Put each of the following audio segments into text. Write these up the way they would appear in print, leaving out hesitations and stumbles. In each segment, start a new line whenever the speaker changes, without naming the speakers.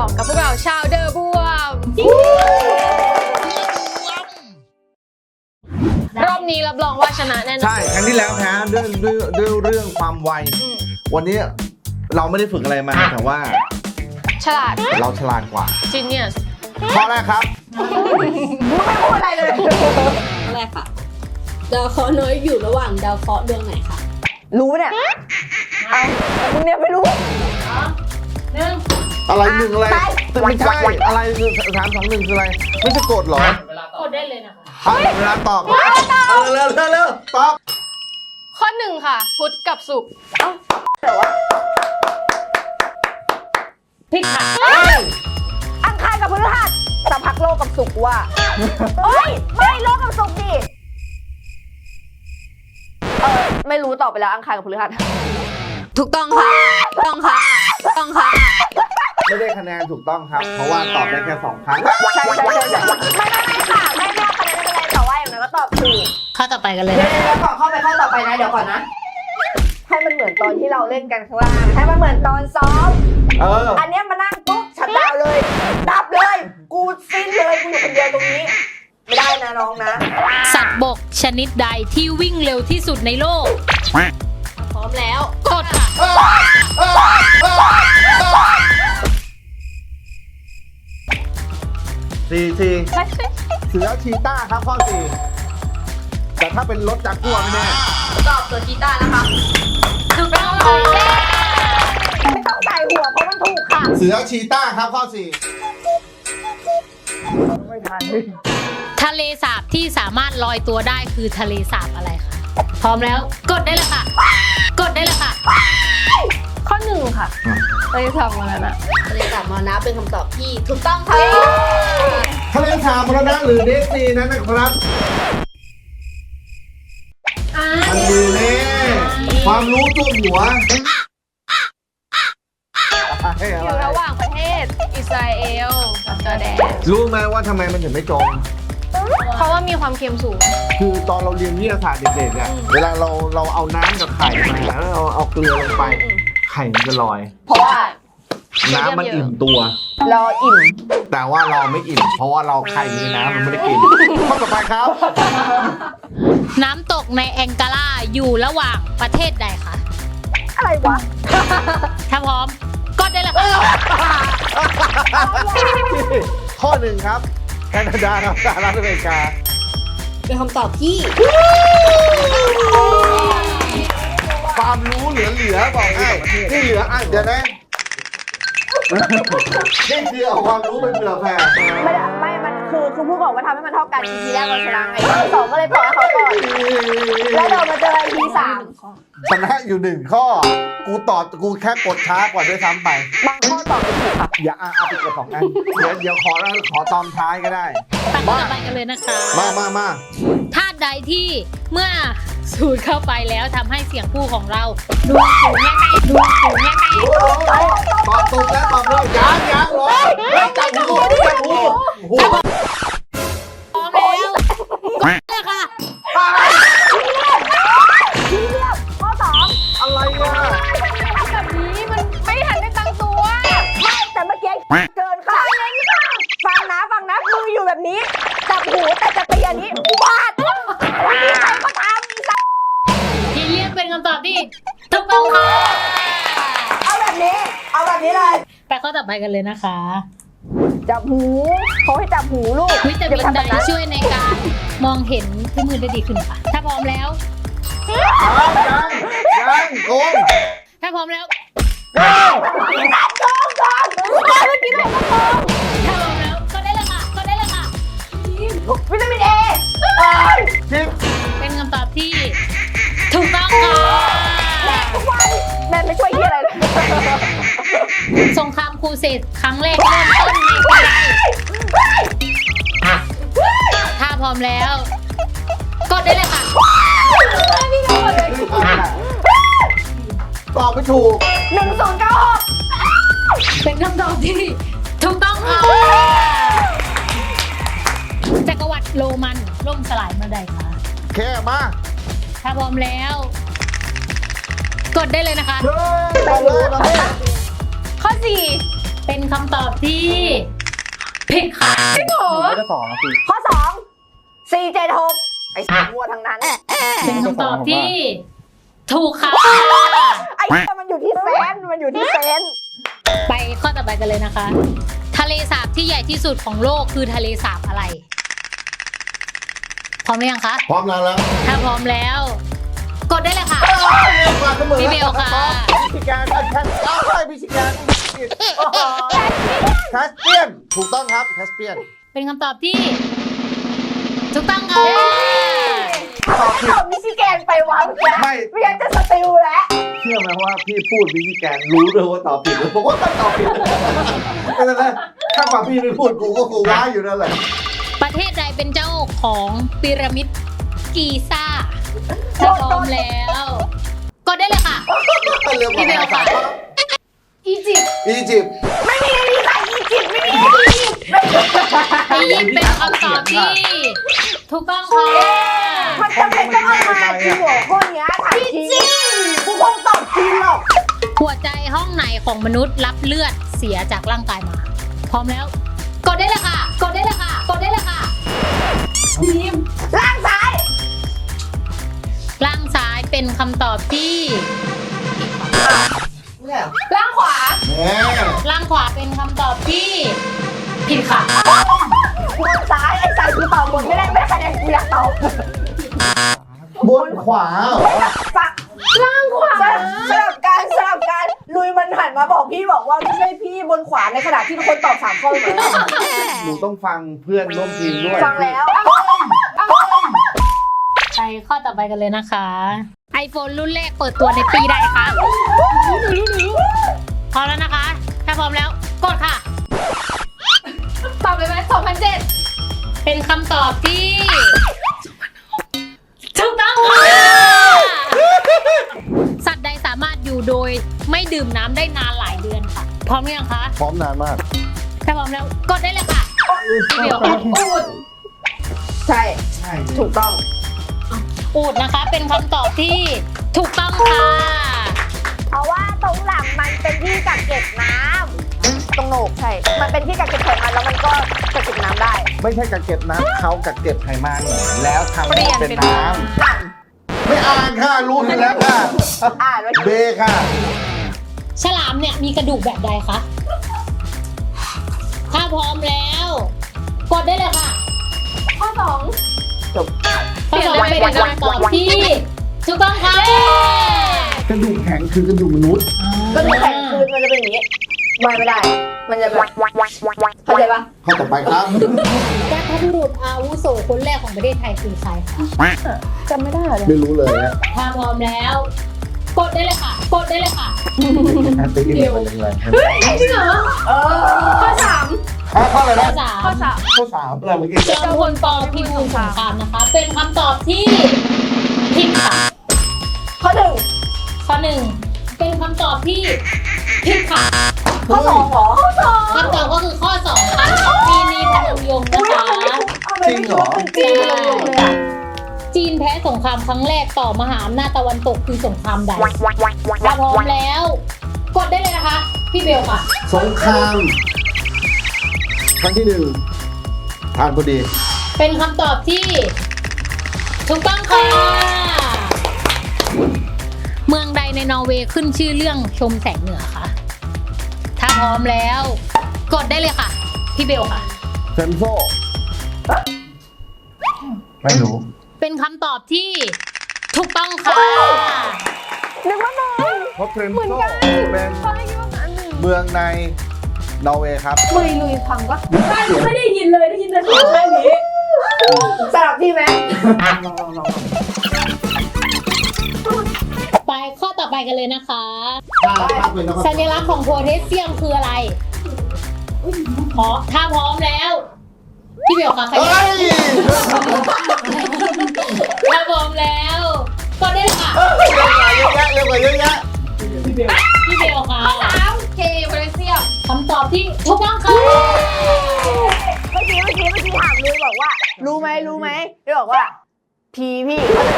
2กับพวกเราชาวเดอะบวมรอบนี้รับรองว่าชนะแน่นอน
ใช่ครั้งที่แล้วแพ้ด้วยเรื่องความไววันนี้เราไม่ได้ฝึกอะไรมาแต่ว่า
ฉลาด
เราฉลาดกว่า
Genius
ข้อแรกครับ
ไม่พูดอะไรเลยแรกค่ะดาวเคราะห์น้อยอยู่ระหว่างดาวเคราะห์ดวงไหนคะ
รู้เนี่ยเอามึงเนี่ยไม่รู้
อะไรหนึ่งอะไรไม่ใช่อะไรคือ3 2 1คืออะไรไม่ใช่กดหรอกดได้เลยนะคะเวลาตอบเร็วตอบ
ข้อ1ค่ะพุธกับศุกร์
ผิดค่ะอังคารกับพฤหัสสักพักโลกกับศุกร์ว่ะเฮ้ยไม่โลกกับศุกร์ดิไม่รู้ตอบไปแล้วอังคารกับพฤหัส
ถูกต้องค่ะต้องค่ะ
ไม่ได้คะแนนถูกต้องครับเพราะว่าตอบได้แค่2 ครั้ง
ใช่ไม่ค่ะไม่เอาคะแนนไม่เป็นไรแต่ว่าอย่างนั้นก็ตอบถูก
ข้อต่อไปกันเลย
เดี๋ยวก่อนเข้าไปข้อต่อไปนะเดี๋ยวก่อนนะให้มันเหมือนตอนที่เราเล่นกันข้างล่างให้มันเหมือนตอนซ้อมอันนี้มานั่งปุ๊บชัดดาวเลยดับเลยกูสิ้นเลยกูอยู่คนเดียวตรงนี้ไม่ได้นะน้องนะ
สัตว์บกชนิดใดที่วิ่งเร็วที่สุดในโลกพร้อมแล้วกดค่ะ
4 เสือชีต้าครับข้อ4แต่ถ้าเป็นรถจักรกลัวไม่แน่
ตอบตัวชีต้านะคะ
ถูกต้อง
ไม่ต้องใส่หัวเพราะมันถูกค่ะ
เสือชีต้าครับข้อ4ไม่ทัน
ทะเลสาบที่สามารถลอยตัวได้คือทะเลสาบอะไรคะพร้อมแล้วกดได้เลยค่ะ
ข้อ1ค่ะทะเลสาบมรณะ
ทะเลสาบมรณะเป็นคำตอบที่ถูกต้องค่ะ
ทะเลสาบมรณะหรือเดสนีนั้นนะครับมันดูแน่ความรู้ตัวหัว
อยู่ระหว่างประเทศอิสราเอลกับจอร์แดน
รู้ไหมว่าทำไมมันถึงไม่จม
เพราะว่ามีความเค็มสูง
คือตอนเราเรียนวิทยาศาสตร์เด็กๆเนี่ยเวลาเราเอาน้ำกับไข่มาแล้วเราเอาเกลือลงไปไข่มันจะลอย
เพราะว่า
น้ำมันอิ่มตัว
เราอิ่ม
แต่ว่าเราไม่อิ่มเพราะว่าเราไข่ในน้ำมันไม่ได้กินข้อต่อไปครับ
น้ำตกในแองการาอยู่ระหว่างประเทศใดคะ
อะไรวะ
ถ้าพร้อมกดได้เลยค่ะ
ข้อ1ครับแคนาดาครับสหรัฐอเมริกา
เป็นคำตอบที่
ความรู้เหลือบอกให้ที่เหลือเดี๋ยวนะนี่คือเอาความรู้ไปเผื่อแผ่
ไม่มันคือพูดก่อนว่าทำให้มันเท่ากันทีแรกเราชนะไงที2ก็เลยปล่อยให้เขาก่อนแล้วเดี๋ยวมาเจอที3
ชนะอยู่1ข้อกูแค่กดช้ากว่าด้วยซ้ำไป
บางข้อตอบไม่ถูกค่ะ
อย่าเอาไปกด2 อันเดี๋ยวขอตอนท้ายก็ได้
ต่อไปกันเลยนะคะ
มา
ธาตุใดที่เมื่อสูดเข้าไปแล้วทำให้เสียงพูดของเราดูสูงแง่
ตอบถูกแล้วตอบเลยยังหรอจับหู
พร้อมแล้วเลยค่ะ
ข้อ2
อะไรวะ
แบบนี้มันไม่ทันได้ตั้งตัว
ไม่แต่เมื่อกี้เกินค่ะฟังนะมืออยู่แบบนี้จับหูแต่จะตีอันนี้วาดวันนี้ใครก็ทำ
ที่เรียกเป็นคำตอบที่ถูกต้องค่ะ
เอาแบบนี้เลย
ไปข้อต่อไปกันเลยนะคะ
จับหูเขาให้จับหูลูก
วิตามินใดช่วยในการมองเห็นที่มือได้ดีขึ้นค่ะถ้าพร้อมแล้ว
ยังโกง
ถ้าพร้อมแล้ว
โกงเมื่อกี้ไหนก็โกง
ถ้าพร้อมแล้วก็ได้เลยค่ะ
วิตามินเอ
เป็นคำตอบที่ถูกต้องค่ะ
แม่ไม่ช่วยเฮียอะไรเลย
สงครามครูเสดครั้งแรกเริ่มต้นในปีใดถ้าพร้อมแล้วกดได้เลยค่ะ
ตอบไม่ถูก
1096
เป็นคำตอบที่ถูกต้องค่ะจักรวรรดิโรมันล่มสลายเมื่อใดคะ
แค่มา
ถ้าพร้อมแล้วกดได้เลยนะคะ
ข้อ4เป็นค
คำตอบที่ผิดค่ะ
จริงเหรอ
ไม่ได้สองนะพี่
ข้อ2 476ไอ้มั่วทั้งนั้น
เป็นคำตอบที่ถูกค่ะ
ไอ้มันอยู่ที่เซนมันอยู่ที่เซน
ไปข้อต่อไปกันเลยนะคะ ทะเลสาบที่ใหญ่ที่สุดของโลกคือทะเลสาบอะไร พร้อมหรือยังคะ
พร้อมแล้วแล้ว
ถ้าพร้อมแล้ว กดได้เลยค่ะ
มาเสมอ
พี่เบลค่ะ
พิชิการเอาใช่พิชิการแคสเปียนถูกต้องครับแคสเปียน
เป็นคำตอบที่ถูกต้องค่ะ
ตอบมิชิแกนไปวะเมื่อกี้
ไม่
ไม่งั้นจะสติลแล้ว
เชื่อไหมว่าพี่พูดพิชิการรู้ด้วยว่าตอบผิดผมว่าตอบผิดไม่เป็นไรถ้าฝั่งพี่ไม่พูดกูก็กูว้าอยู่นั่นแหละ
ประเทศใดเป็นเจ้าของพีระมิดกีซ่าถ้าพร้อมแล้ว กดได้เลยค่ะ
เรื่องของภาษา
อียิปต์
อียิปต์
ไม่มีใครอีจิปต์ไม่มี
อียิปต์เป็นคำตอบที่ถูกต้องค่ะ
มันจำเป็นต้องเอามาจริงเหรอข้อเนี้ยถามจริงกูคงตอบจริงหรอก
หัวใจห้องไหนของมนุษย์รับเลือดเสียจากร่างกายมา พร้อมแล้ว กดได้เลยค่ะ กดได้เลยค่ะ กดได้เลยค่ะ
ล่างซ้าย
ล่างซ้ายเป็นคำตอบที่
ล่างขวา
แหม
ล่างขวาเป็นคำตอบที่ผิดค่ะ
ล่างซ้ายไอ้ซ้ายกูตอบบนไม่ได้คะแนนกูอยากตอบบ
นขวาเหรอ
ฟังล่างขวาสลับกันลุยมันหันมาบอกพี่บอกว่าไม่ใช่พี่บนขวาในขณะที่ทุกคนตอบ3 ข้อเหมือนกัน
หนูต้องฟังเพื่อนร่วมทีมด้วย
ฟังแล้ว
ไปข้อต่อไปกันเลยนะคะ iPhone รุ่นแรกเปิดตัวในปีใดคะพร้อมแล้วนะคะ ถ้าพร้อมแล้วกดค่ะ
ตอบเลยไหม2007
เป็นคำตอบที่ถูกต้องค่ะ สัตว์ใดสามารถอยู่โดยไม่ดื่มน้ำได้นานหลายเดือนค่ะ พร้อมหรือยังคะ
พร้อมนานมาก
ถ้าพร้อมแล้วกดได้เลยค่ะพี่เบลค่ะ
ใช่ถูกต้อง
อูดนะคะ เป็นคำตอบที่ถูกต้องค่ะ
เพราะว่าตรงหลังมันเป็นที่กักเก็บน้ำตรงโหนกใช่ มันเป็นที่กักเก็บไขมันแล้วมันก็กักเก็บน้ำได้
ไม่ใช่กักเก็บน้ำเขากักเก็บไขมันแล้วทำให้เป็นน้
อ่าน
ำไม่อ่านค่ะรู้อยู่แล้วค่ะ
อ่านไว้
เบค่ะ
ฉลามเนี่ยมีกระดูกแบบใดคะ ถ้าพร้อมแล้ว กดได้เลยค่ะ
ข้อ
จบ
ข้อสองเป็นคำตอบที่ถูกต้องค่ะ
กระดูกแข็งคือกระดูกมนุษย์
ก็ดูแข็งคืนมันจะเป็นอย่างนี้ไม่ได้ มันจะแบบเข้าใจปะ
ข้อต่อไปครับ
บรรพบุรุษอาวุโสคนแรกของประเทศไทยคือใครคะ
จำไม่ได้เลย
ไม่รู้เลยนะ
ถ้าพร้อมแล้ว กดได้เลยค่ะ กดได้เลยค่ะ
ตีกันไปแรง
จริงเหรอ ข้อ
ข้ออะไร
ข้อ
นะ
สาม
3 ข้อ
ข้อสามอะไรเมื่อกี้
จอมพลปพิบูลสงครามนะคะ เป็นคำตอบที่ผิดค่ะ
ข้อ
ข้อหนึ่งเป็นคำตอบที่ผิดค่ะ
1ข้อ2เหรอข้อ2
คำตอบก็คือข้อ2ค่ะปีนีพนมยงค์นะคะ
จริงเหรอ
จริงเหรอเลยอ่ะ
จีนแพ้สงครามครั้งแรกต่อมหาอำนาจตะวันตกคือสงครามใดถ้าพร้อมแล้ว กดได้เลยนะคะ พี่เบลค่ะ
สงครามครั้งที่หนึ่งทานพอดี
เป็นคำตอบที่ถูกต้องค่ะ เมืองใดในนอร์เวย์ขึ้นชื่อเรื่องชมแสงเหนือคะถ้าพร้อมแล้ว กดได้เลยค่ะ พี่เบลค่ะ
เซนโซไม่รู้
เป็นคำตอบที่ถูกต้องค่ะ
นึกว่ามึง
เพราะเทรนโซเป็นเมืองในนอร์เวย์ครับ
ลุยฟังปะไม่ได้ยินเลยได้ยินแต่เสียงแค่นี้
สลับที่ไหม
ไปข้อต่อไปกันเลยนะคะ
ถ้าเป็นนะครับ
สัญลักษณ์ของโพแทสเซียมคืออะไรถ้าพร้อมแล้ว พี่เบลค่ะใคร
เฮ้ย
ถ้าพร้อมแล้ว ก็ได้เลยค่ะ
เร็วกว่าเยอะแยะ
พี่เบลค่ะ
3 K โพแทสเซียม
คำตอบที่ถูกต้องค่ะ
เมื่อกี้ถามลุยบอกว่า รู้ไหมลุยบอกว่าพีพี่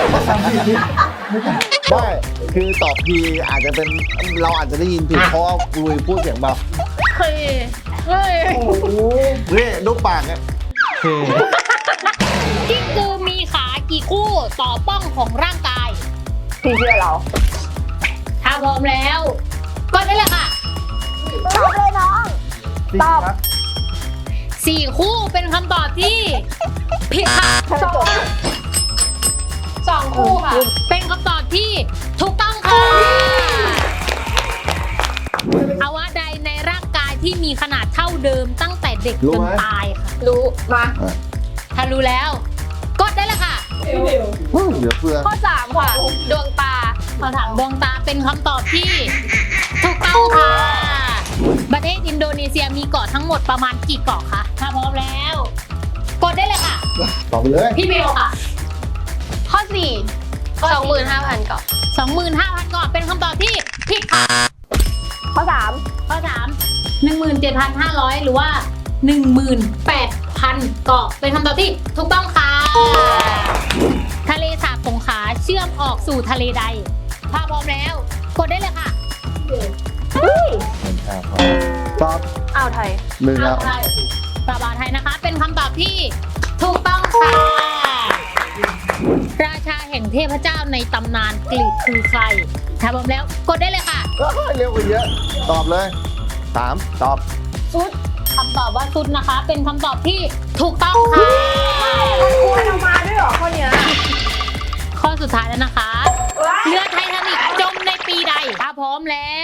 ไม่คือตอบพีอาจจะเป็นเราอาจจะได้ยินผิดเพราะว่าลุยพูดเสียงเบา
เคเฮ้ย
นี่ดูปากเนี่ย
กิ้งกือมีขากี่คู่ต่อป้องของร่างกาย
พี่เชื่อเรา
ถ้าพร้อมแล้วกดได้เลยค่ะ
ตอบเลยน้อง ตอบ
4 คู่เป็นคำตอบที่ผิดค่ะ
2 คู่ค่ะ
เป็นคำตอบที่ถูกต้องค่ะอวัยวะใดในร่างกายที่มีขนาดเท่าเดิมตั้งแต่เด็กจนตายค่ะ
รู้
มา
ถ้ารู้แล้วกดได้เลยค่ะ
เหลือเฟือ
ข้อ 3 ค่ะ ดวงตา
คำถามดวงตาเป็นคำตอบที่ถูกต้องค่ะ ประเทศอินโดนีเซียมีเกาะทั้งหมดประมาณกี่เกาะคะถ้าพร้อมแล้ว กดได้เลยค่ะ
ตอบไปเลย
พี่เบลค่ะ
ข้อ 4 25,000 เกาะ
25,000 เกาะเป็นคำตอบที่ผิดค่ะ
ข้อ
ข้อ 3 17,500 หรือว่า 18,000 เกาะเป็นคำตอบที่ถูกต้องค่ะ ทะเลสาบสงขลาเชื่อมออกสู่ทะเลใด ถ้าพร้อมแล้ว กดได้เลยค่ะ
ตอบ
อ่าวไทย
หนึ่งแล้ว
ไทยปราบาไทยนะคะ เป็นคำตอบที่ถูกต้องค่ะ ราชาแห่งเทพเจ้าในตำนานกรีกคือใคร ถ้าพร้อมแล้ว กดได้เลยค่ะ
เร็วกว่าเยอะ ตอบเลย3ตอบ
ซุดคำตอบว่าซุดนะคะ เป็นคำตอบที่ถูกต้องค่ะ
มันเอามาด้วยเหรอข้อเนี้ย
ข้อสุดท้ายแล้วนะคะ เรือไททานิกจมในปีใด ถ้าพร้อมแล้ว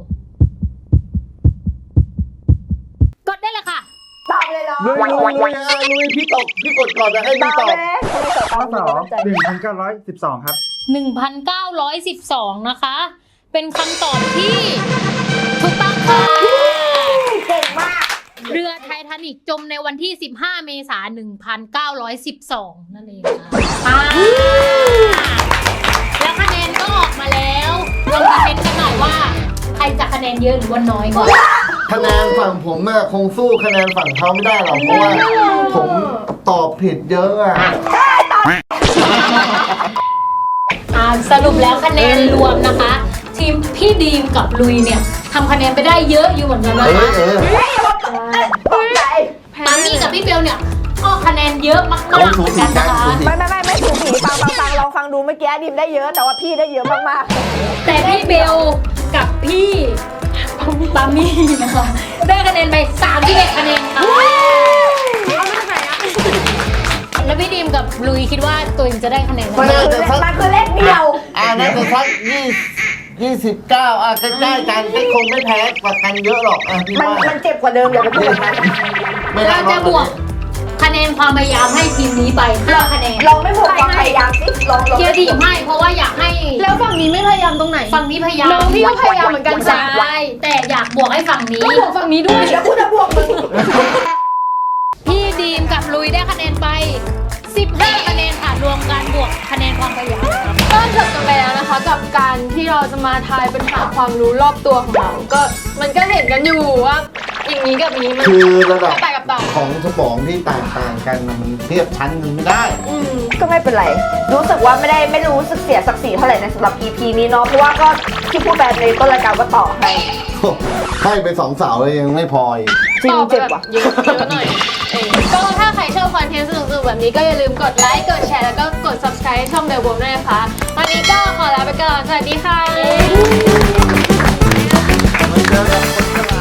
กดได้เลยค่ะ
ตอบเลยเหรอ
ลุยพี่ตอบพี่กดก่อนจะให้
ต
พี่
อบ
ตอบ
เลยทำไมตอบ
ข้อ
ตาม
2 1,912 ครับ
1,912 นะคะ เป็นคำตอบที่ถูกต้องค่ะ
เก่งมาก
เรือไททานิกจมในวันที่ 15 เมษายน 1912 นั่นเองค่ะแล้วคะแนนก็ออกมาแล้วลองมาเม้นกันหน่อยว่า ใครจะคะแนนเยอะหรือว่าน้อยก่อน
คะแนนฝั่งผมอะคงสู้คะแนนฝั่งเขาไม่ได้หรอกเพราะว่าผมตอบผิดเยอะอะ
สรุปแล้วคะแนนรวมนะคะ ทีมพี่ดีมกับลุยเนี่ยทำคะแนนไปได้เยอะอยู่เหมือนกันนะคะ
ตกใจ
ปามี่กับพี่เบลเนี่ยก็คะแนนเยอะมากๆเหมือนกันนะคะ
ไม่ถูกผีฟังลองฟังดูเมื่อกี้ดิมได้เยอะแต่ว่าพี่ได้เยอะมาก
แต่พี่เบลกับพี่ปามี่นะคะได้คะแนนไป31คะแนนค่ะแล้วพี่ดีมกับลุยคิดว่าตัวเองจะได้คะแนน
ๆ
เท่า
มัน
ไหร่
คือเลขเดียว
น่าจะสัก29ใกล้ๆกันไม่คงไม่แพ้กว่ากันเยอะหรอกพี่ว่า
มันเจ็บกว่าเดิมอย่าไปพูดแบบนั้น
ไม่ได้
เราจะบวกคะแนนความพยายามให้ทีมนี้ไป5คะแนน
ลองไม่บวกความพยายามสิลอง
เกียร์ดีมให้เพราะว่าอยากให้
แล้วฝั่งนี้ไม่พยายามตรงไหน
ฝั่งนี้พยายาม
น้องพี่ก็พยายามเหมือนกันจ้ะ
ใช่แต่อยากบวกให้ฝั่งนี้
ก็บวกฝั่งนี้ด้วย
แล้วกูจะบวกมึง
พี่ดีมกับลุยได้คะแนนไป15คะแนนค่ะรวมกันบวกคะแนนความพยายามครับ
ก็จบกันไปแล้วนะคะ กับการที่เราจะมาทายปัญหาความรู้รอบตัวของเรา ก็มันก็เห็นกันอยู่ว่าอย่างนี้กับนี้มัน
คือระดับ
แตกกับต่าง
ของสมองที่ต่างๆกันน่ะมันเทียบชั้นกันไม่ได้
ก็ไม่เป็นไร รู้สึกว่าไม่รู้สึกเสียศักดิ์ศรีเท่าไหร่ในสำหรับ EP นี้เนาะเพราะว่าก็ที่พูดแบบในต้นรายการว่าต่อให้
ให้ไป2 เสาเลยยังไม่พออีก
จริง
ตอบไป
เจ็บ
แบบ
ว่ะ
เยอะหน่อยก็ถ้าใครชอบคอนเทนต์สนุกๆแบบนี้ก็อย่าลืมกดไลค์ กดแชร์ แล้วก็กด subscribe ช่องเดลโบด้วยนะคะ วันนี้ก็ขอลาไปก่อน สวัสดีค่ะ
มันเจอกันคนฉลาด